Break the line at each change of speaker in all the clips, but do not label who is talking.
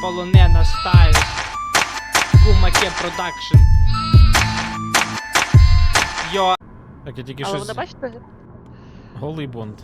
полонена стайл. Кумаке продакшн. Йо.
Так, я тільки
Але
щось...
вони, бачите,
Голий Бонд.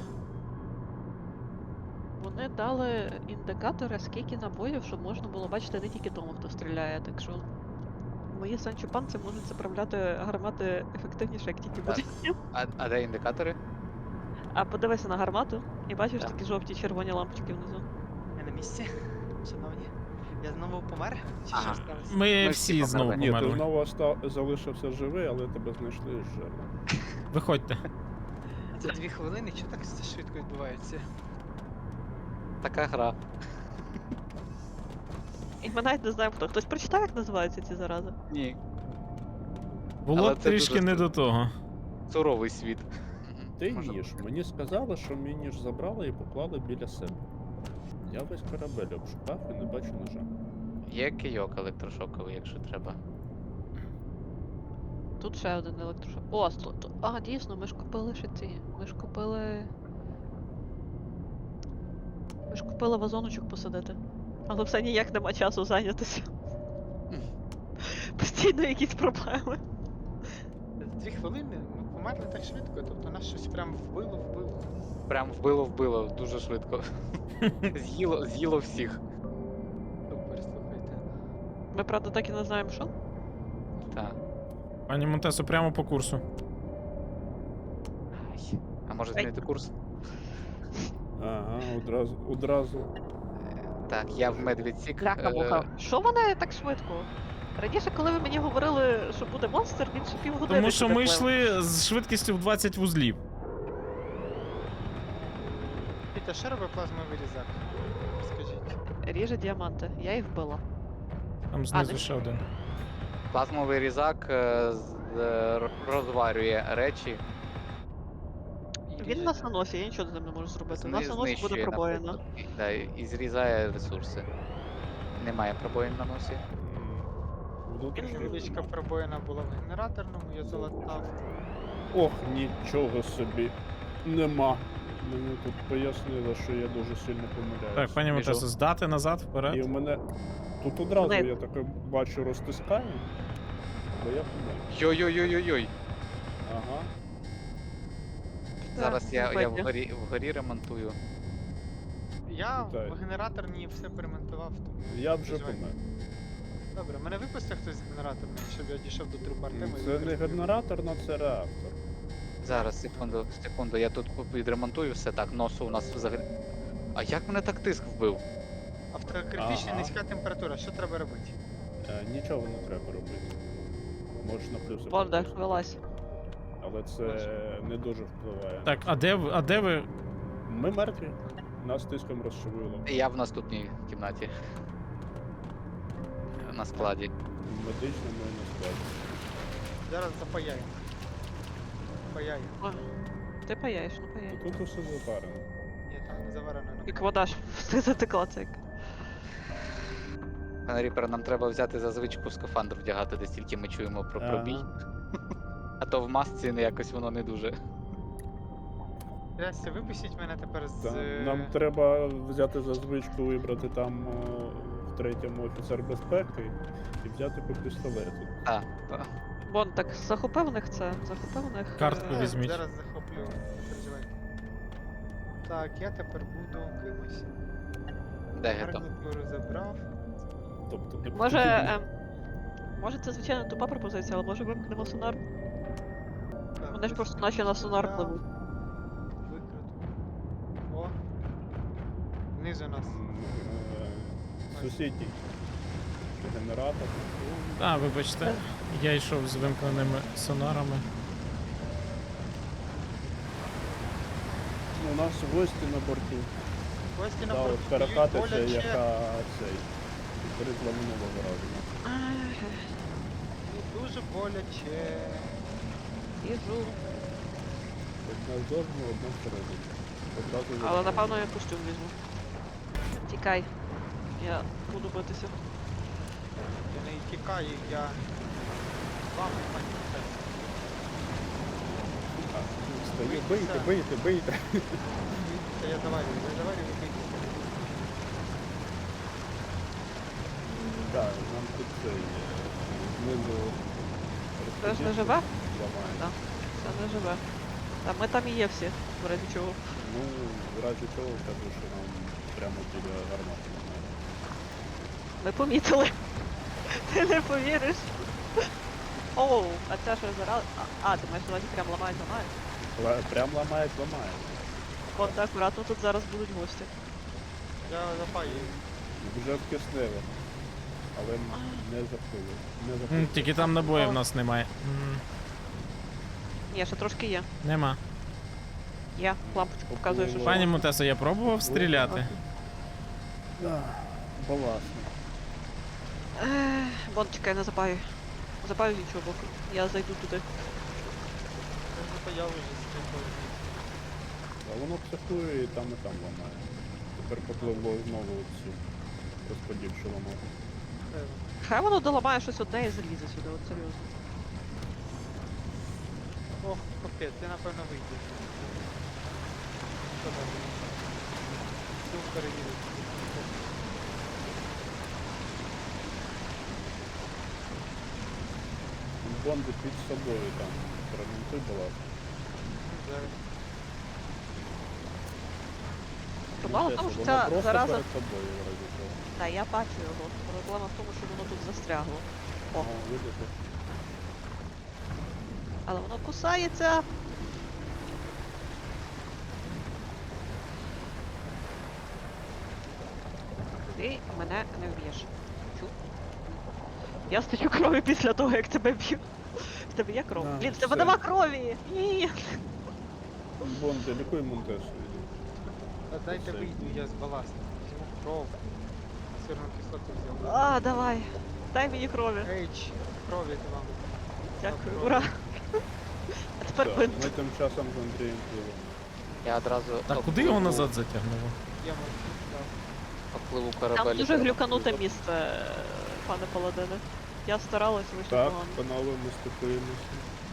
вони дали індикатори, скільки набоїв, щоб можна було бачити не тільки тому, хто стріляє, так що мої санчопанці можуть заправляти гармати ефективніше, як тільки
Так.
буде.
А де індикатори?
А подивися на гармату і бачиш
Так.
такі жовті червоні лампочки внизу.
Я на місці, шановні. Я знову помер? Чи
Ага.
що сталося?
Ми
Ми
всі
всі
знову
померли.
Ні, ти
померли.
знову залишився живий, але тебе знайшли з жерлом.
Виходьте.
Це 2 хвилини, що так все швидко відбувається?
Така гра.
І ми навіть не знаємо хто. Хтось прочитав, як називаються ці зарази?
Ні.
Було
Але це
трішки
дуже
не до того.
Суровий світ.
Ти
Може-
ніж. Мені сказали, що мій ніж забрали і поклали біля себе. Я весь корабель обшукав і не бачу ножа.
Є кийок електрошоковий, якщо треба.
Тут ще один електрошок. О, а, дійсно, ми ж купили ще ці. Ми ж купили. Ми ж купили вазоночок посадити. Але все ніяк нема часу зайнятися. Постійно якісь проблеми.
2 хвилини? Ми померли так швидко, тобто нас щось прям вбило.
Прям вбило дуже швидко. З'їло всіх.
Супер, слухайте.
Ми, правда, так і не знаємо, що.
Так.
Пані Монтесо, прямо по курсу.
Ай. А може
Ай.
змінити курс?
Ага, одразу.
Так, я в медвідсік.
Бляха-муха. Що вони так швидко? Раніше, коли ви мені говорили, що буде монстр, він ще півгодини.
Тому що
сюди
ми
плив.
йшли з швидкістю в 20 вузлів.
Пітя, що робить плазмовий різак? Розкажіть.
Ріже діаманти. Я їх вбила.
Там знизу
не-
ще один.
Плазмовий різак розварює речі.
Він нас на носі, я нічого з ним не можу зробити. У нас на носі буде
знищує,
пробоїна.
наприклад. Да, і зрізає ресурси. Немає пробоїн на носі.
Внутрішній
Невеличка
розум.
пробоїна була в генераторному, я залатав.
Ох, нічого собі. Нема. Мені тут пояснили, що я дуже сильно помиляюсь.
Так, пані
Біжу.
Монтесо, здати назад,
І
вперед.
в мене тут одразу
Мене-
я таке бачу розтискаю, бо я помилю.
Йой-йой-йой-йой.
Ага.
Зараз я
сьогодні.
вгорі ремонтую.
Я
Вітаю.
в генераторній все перемонтував, тому...
Я вже
переживай.
помер.
Добре, мене випустив хтось з генераторної, щоб я дійшов до трупа Артема і
Це не
використав його.
генераторна, це реактор.
Зараз, секунду, я тут відремонтую все так, носу у нас взагалі. А як мене так тиск вбив?
Автокритична
Ага.
низька температура, що треба робити?
Нічого не треба робити. Можеш на плюси.
Бонда,
потиснути.
вилазь.
Але це не дуже впливає.
Так, а де ви?
Ми мертві. Нас тиском розшивило.
Я в наступній кімнаті. На складі.
Медично ми не складно.
Зараз запаяємо. Паяємо.
О, ти паяєш, ну паяй.
Тут усе запарено.
Ні, там не заварено.
Як вода ж затекла це.
Пане Ріпер, нам треба взяти за звичку скафандр вдягати, десь тільки ми чуємо про пробій. А то в масці якось воно не дуже.
Трясся, випустіть мене тепер з...
Нам треба взяти за звичку вибрати там в третьому офіцер безпеки і взяти по пістолету.
А,
Бон, так захопив в них це, захопив в них.
Картку
Зараз-
візьміть.
Зараз захоплю, не переживайте. Так, я тепер буду кимось.
де гето?
Гарнітуру забрав.
Тобто не
Може,
потрібно.
може це звичайно тупа пропозиція, але може вимкнемо сонар?
Так,
Вони ж просто наче на сонар
забрав,
пливуть.
Викрутку. О. Внизу нас.
Сусідній генератор.
А, вибачте, я йшов з вимкненими сонарами.
У нас гості на борту.
Гості на
Та
борту
от
б'ють
перекатиця,
боляче.
яка цей. Перезла минулого разу.
І дуже боляче.
Їжу.
Одна зовні, одна всередині. Одразу
Але
видно.
напевно я костюм візьму. Тікай. Я буду битися.
Я не тікаю, я з вами, пані Михайло.
Стою, бийте, бийте, бийте.
Та я заварюю, ви бийте.
Так, нам тут це є. Знизу
Це ж не
розподільчик
живе?
ламає.
Так. Це не живе. Та ми там і є всі, в разі чого.
Ну, в разі чого кажу, що нам прямо біля гармати немає.
Ми помітили. Ти не повіриш. Оу, а це що зараз. А, ти маєш на увазі прям ламають.
Прям ламають, ламають.
От так, акуратно, тут зараз будуть гості.
Я запаю.
Вже в киснево. Але не запили. Не
М,
запили.
Тільки там набоїв в нас немає.
Ні, ще трошки є.
Нема.
Є, лампочку показує, що
Пані Мутесо, я пробував стріляти.
Да, баласно.
Вон, чекай, не запаю. Запаю з іншого боку. Я зайду туди.
Я запаяв вже стрільбою.
А воно психує і там ламає. Тепер попливло знову цю розподільчу ламати.
Хай воно доламає щось одне і залізе сюди, от серйозно.
Ох, капець, ти напевно вийдеш. Що там? Йду перевірити.
Бонди під собою там. Промінтуй баласно.
Зараз.
Проблема в тому, що
Воно
ця
просто
зараза.
перед тобою в разі чого.
Та я бачу його. Проблема в тому, що воно тут застрягло. О,
О, видите?
але воно кусається. Ти мене не вб'єш. Чу. Я стаю крові після того, як тебе б'ю. В тебе є кров?
Да,
Блін, в тебе
все.
нема крові! Ні.
Бонди, лікуй Монтесу.
Та дайте
Все.
вийду, я з баластом. Візьму кров. Сирну кислоту взяв.
А, давай. Дай мені крові.
Ейч, крові ти вам.
Дякую,
Добро.
ура. А тепер
Так,
бинт.
ми тим часом з Андрієм пливемо.
Я одразу
Так куди його назад затягнуло?
Я можу.
попливу
Там
корабель.
дуже глюкануте місце, пане Паладине. Я старалась, вийшло
Так,
погано.
панове, ми стикуємося.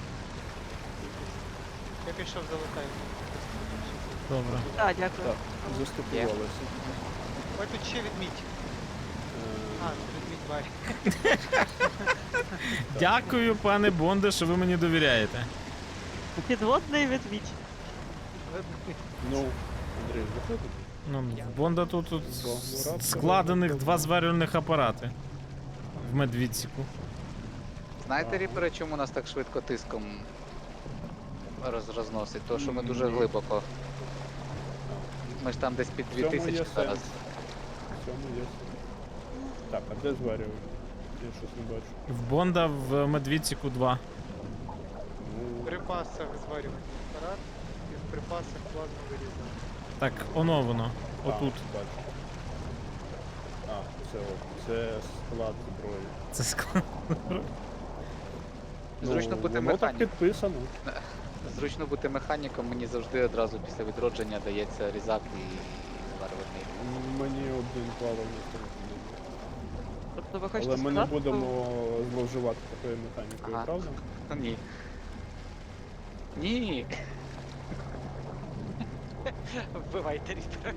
Я пішов залетаю.
Добре.
Так, дякую.
Так, заступувалися.
Ой, тут ще відмідь. А,
Е,
це відмідь Варі.
Дякую, пане Бонде, що ви мені довіряєте.
Підводний ведмідь.
Ну, Андрій, заходите?
Ну, в Бонда тут
Рад,
складених
рад.
2 зварювальних апарати. В медвідсіку.
Знаєте, ріпери, чому нас так швидко тиском розносить? Тому що ми дуже
Ні.
глибоко. Ми ж там десь під
В цьому є
2000 зараз.
сенс. В цьому є сенс. Так, а де зварювали? Я щось не бачу.
В Бонда в медвідсіку 2.
Ну,
В припасах зварювальний апарат і в припасах плазму вирізав.
Так, воно.
а,
Отут.
бачу. А, це склад зброї.
Це склад.
Зручно бути
воно так
механіком.
підписано.
Зручно бути механіком, мені завжди одразу після відродження дається різак і зварювальний.
Мені один плавальний телефон.
Тобто ви хочете
Але ми не
сказати,
будемо зловживати такою механікою,
Ага.
правда?
Ні. Ні.
Вбивайте ріпера.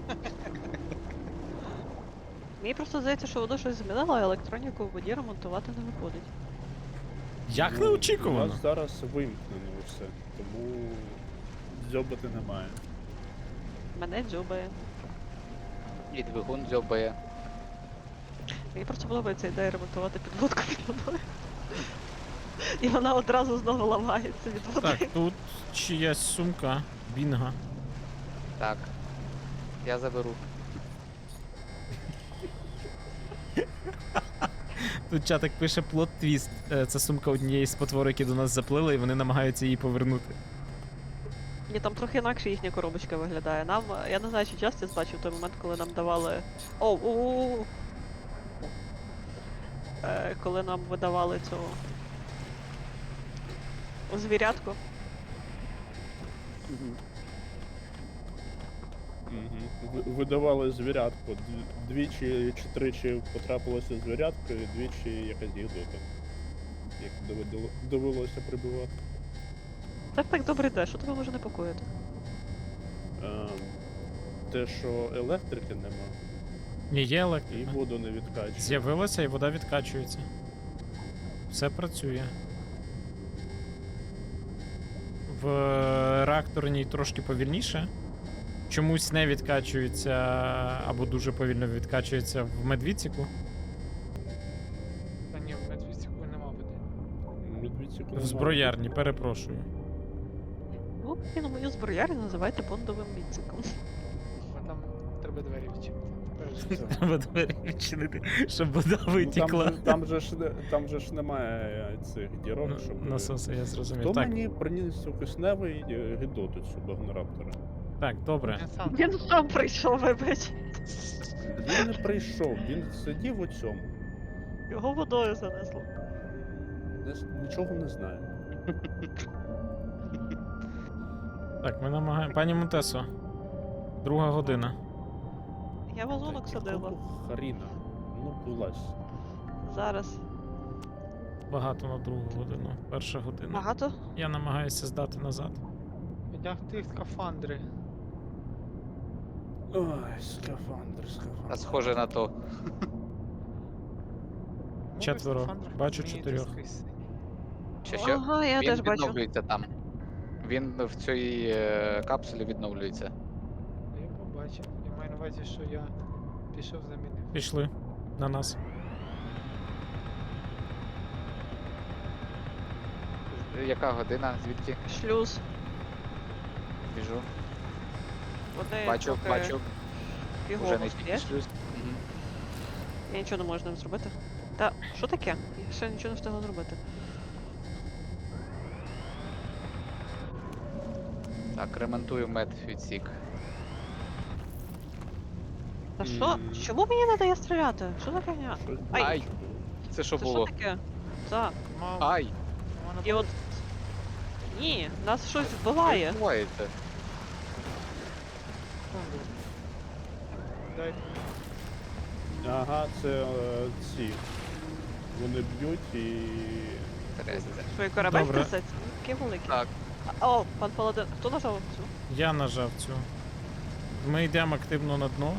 Мені просто здається, що воно щось змінило, а електроніку в воді ремонтувати не виходить.
Як
У
неочікувано.
нас зараз вимкнено все, тому дзьобати немає.
Мене дзьобає.
І двигун дзьобає.
Мені просто подобається ідея ремонтувати підводку під водою. І вона одразу знову ламається від води.
Так, тут чиясь сумка. Бінга.
Так. Я заберу.
Тут чатик пише плот твіст. Це сумка однієї з потвор, які до нас заплили, і вони намагаються її повернути.
Ні, там трохи інакше їхня коробочка виглядає. Нам, я не знаю, чи Justice бачив той момент, коли нам давали. Оу! Коли нам видавали цю звірятку.
Видавали звірятку. Двічі чи тричі потрапилося звірятка, і двічі якась гідота. Як довелося прибивати.
Так добре йде, що тебе може непокоїти?
Те, що електрики нема.
Ні, є
І
електрика.
воду не відкачує.
З'явилося і вода відкачується. Все працює. В реакторній трошки повільніше. Чомусь не відкачується або дуже повільно відкачується в медвідсіку.
Та ні, в медвідсіку нема води.
Медвідсіку
В зброярні, перепрошую.
Ну, і на мою зброярню називайте бондовим відсіком.
А там треба двері відчинити. Тепер вже
Треба двері відчинити, щоб вода
Ну,
витікла.
там же ж немає цих дірок, щоб...
Насоси, я зрозумів.
Хто
Так,
мені приніс у кисневий гидоту цю багнораптора?
так, добре.
Він сам.
Він сам прийшов, вибач.
Він не прийшов, він сидів у цьому.
Його водою занесло.
Нічого не знаю.
Так, ми намагаємо. Пані Монтесо, 2 година.
Я вазонок садила.
Харіна, ну вилазь.
Зараз.
Багато на 2 годину. 1 година.
Багато?
Я намагаюся здати назад.
Одягти скафандри.
Ой, скафандр.
А схоже на то.
Мови
4.
скафандрах
Бачу
розумієте
4.
скрізь.
Що?
Ага, я
Він
теж бачу.
відновлюється там. Він в цій капсулі відновлюється.
Я побачив. Я маю на увазі, що я пішов замінив.
Пішли на нас.
Яка година? Звідки?
Шлюз.
Біжу.
Вони
Бачу,
трохи
бачу.
фігово
Уже не
стоять.
тільки шлюз. Мгм.
Я нічого не можу з ним зробити. Та, що таке? Я ще нічого не встигла зробити.
Так, ремонтую медвідсік.
Та що? Чому мені не дає стріляти? Що за фігня?
Щось
Ай.
Ай! Це що
Це
було?
що таке? Так.
Мав,
Ай!
вона
І от. Ні, нас щось вбиває.
Що відбувається?
секунду. Дайте.
Ага, це ці. Вони б'ють і.
Трясся.
Що і корабель
Добре.
трясеться? Ну, такий великий.
Так,
О, пан Паладин. Хто нажав цю?
Я нажав цю. Ми йдемо активно на дно.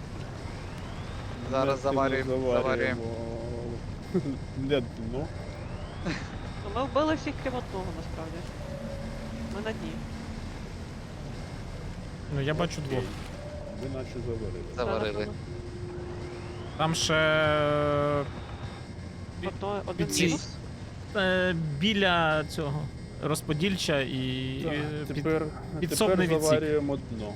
зараз заварюємо.
Не дно.
Ну, ми вбили всіх крім одного, насправді. Ми на дні.
Ну, я бачу 2.
Окей. Ви наче заварили.
Заварили.
Там ще
Один
ці-
мінус.
біля цього розподільча і
Тепер
підсобний відсік.
заварюємо дно.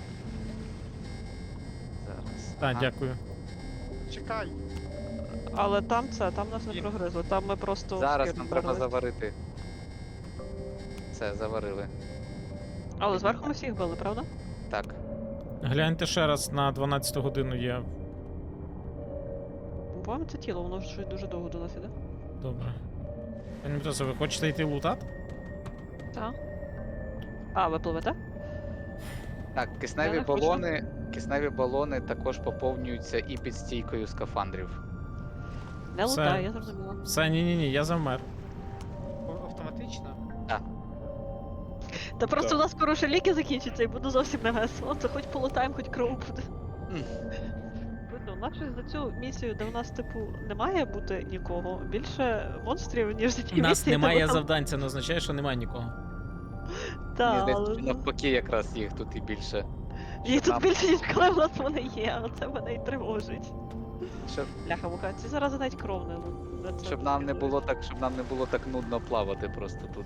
Зараз.
Так,
Ага.
дякую.
Чекай!
Але там нас не
Ні.
прогризли. Там ми просто.
Зараз
скид
нам треба
вдарили.
заварити. Все, заварили.
Але зверху ми всіх били, правда?
Так.
Гляньте ще раз на 12 годину є.
По-моєму, це тіло, воно ж щось дуже довго до нас іде.
Добре. Пані Монтесо, ви хочете йти лутати?
Так. А, ви пливете?
Так,
Я
кисневі
не хочу.
балони також поповнюються і під стійкою скафандрів.
Не
Все.
лутаю, я зрозуміла.
Все, ні, я завмер.
Автоматично?
Та просто
Так.
у нас скоро ще ліки закінчаться і буде зовсім не весело. Це хоч полутаємо, хоч кров буде.
М.
Видно, у нас щось за цю місію, де у нас, типу, не має бути нікого, більше монстрів, ніж за ті
У нас
місії, де
немає
ми там-
завдань, це не означає, що немає нікого.
Та,
Мені
але
здається, що навпаки, якраз їх тут і більше.
їх тут
нам-
більше, ніж коли в нас вони є, а це мене і тривожить.
Щоб,
Бляха муха, ці зарази навіть кров не це
щоб нам не було так, щоб нам не було так нудно плавати просто тут.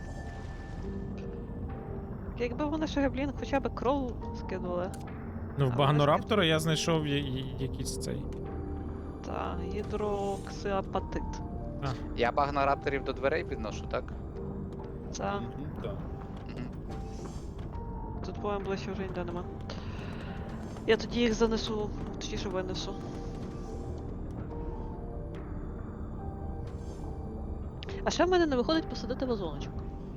Якби вони ще блін, хоча б кров скинули.
Ну, в
А,
Багнораптора я знайшов якийсь цей.
Та, гідроксиапатит.
Я багнорапторів до дверей підношу, так?
Та,
Мгм, так.
Мгм.
тут по-моєму ближче вже ніде нема. Я тоді їх занесу, точніше винесу. А ще в мене не виходить посадити вазоночок.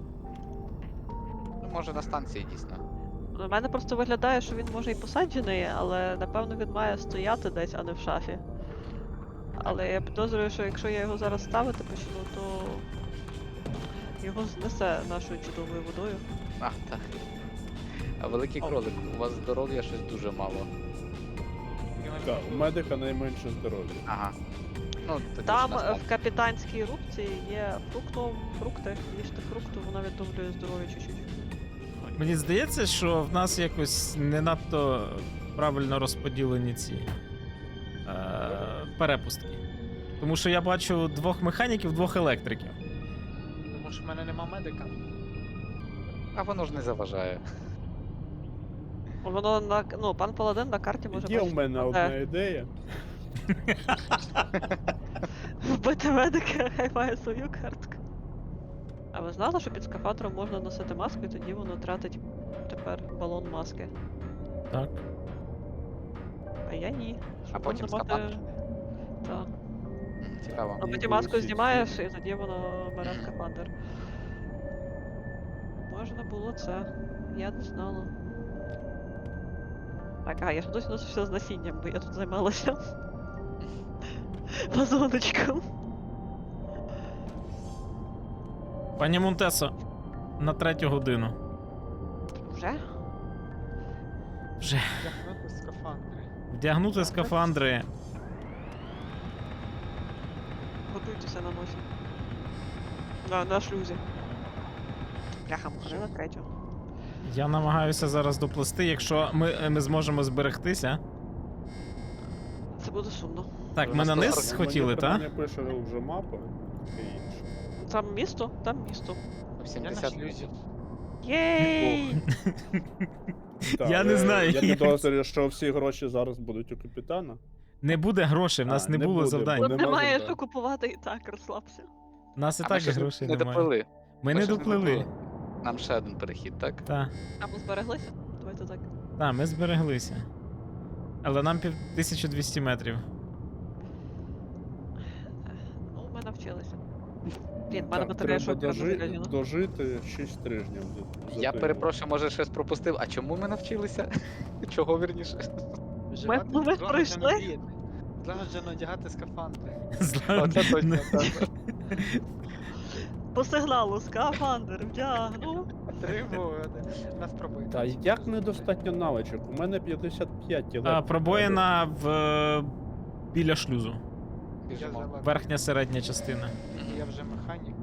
Ну, може на станції дійсно.
У мене просто виглядає, що він може і посаджений, але напевно він має стояти десь, а не в шафі. Але я підозрюю, що якщо я його зараз ставити почну, то його знесе нашою чудовою водою.
А, так. А великий кролик, у вас здоров'я щось дуже мало.
І
Так, у медика найменше здоров'я.
Ага. Ну, тоді
Там
ж нас
в капітанській рубці є фрукти, їжте фрукту, вона відновлює здоров'я чуть-чуть.
Мені здається, що в нас якось не надто правильно розподілені ці перепустки. Тому що я бачу 2 механіків, 2 електриків.
Тому що в мене нема медика.
А воно ж не заважає.
Воно на пан Паладин на карті може
Є у
бачити,
мене
де
одна ідея.
вбити медика, хай має свою картку. А ви знали, що під скафандром можна носити маску, і тоді воно тратить тепер балон маски?
Так.
А я ні. Щоб
потім
можна мати-
скафандр?
Так.
Цікаво.
А
Ні,
потім
було
маску
всі-
знімаєш, і тоді воно бере скафандр. Можна було це. Я не знала. Так, я ж досі носився з насінням, бо я тут займалася вазоночком.
Пані Монтесо, на 3 годину.
Вже?
Вже.
Вдягнути скафандри.
Вдягнути скафандри.
Готуйтеся на носі. На шлюзі. Бляха, може на 3.
Я намагаюся зараз доплисти, якщо ми зможемо зберегтися.
Це буде сумно.
Так,
Ви
ми на
нас
низ
зараз-
хотіли, так?
Мені пише вже мапа, таке інше.
Там місто? Там місто.
В 70
Я на
люзів.
Єй!
Так,
Я не знаю,
Я
як
підозрюю, що всі гроші зараз будуть у капітана.
Не буде грошей, в нас
А,
не
не
було
буде,
завдань.
бо
Тут
нема
немає
завдань.
що купувати і так, розслабся.
У нас і
А ми
так
щось
грошей
не
немає.
доплили.
Ми не
щось
доплили.
Нам ще один перехід, так?
Так,
А ми збереглися? Давайте так.
ми збереглися. Але нам 1200 метрів.
Ну, ми навчилися. Блін, в мене
Так,
батарея
треба
шокера залізна.
дожити 6 тижнів.
Я перепрошую, може щось пропустив. А чому ми навчилися? Чого вірніше?
Виживати
ми
злагоджено
пройшли.
діяти. Злагоджено одягати скафандри.
Оце точно. так.
По сигналу скафандр вдягну.
Тривога. Нас пробує.
Та як недостатньо навичок? У мене 55 тілет.
Пробоїна біля шлюзу.
Я
Біжимо.
залазив.
Верхня середня частина.
Я вже механік.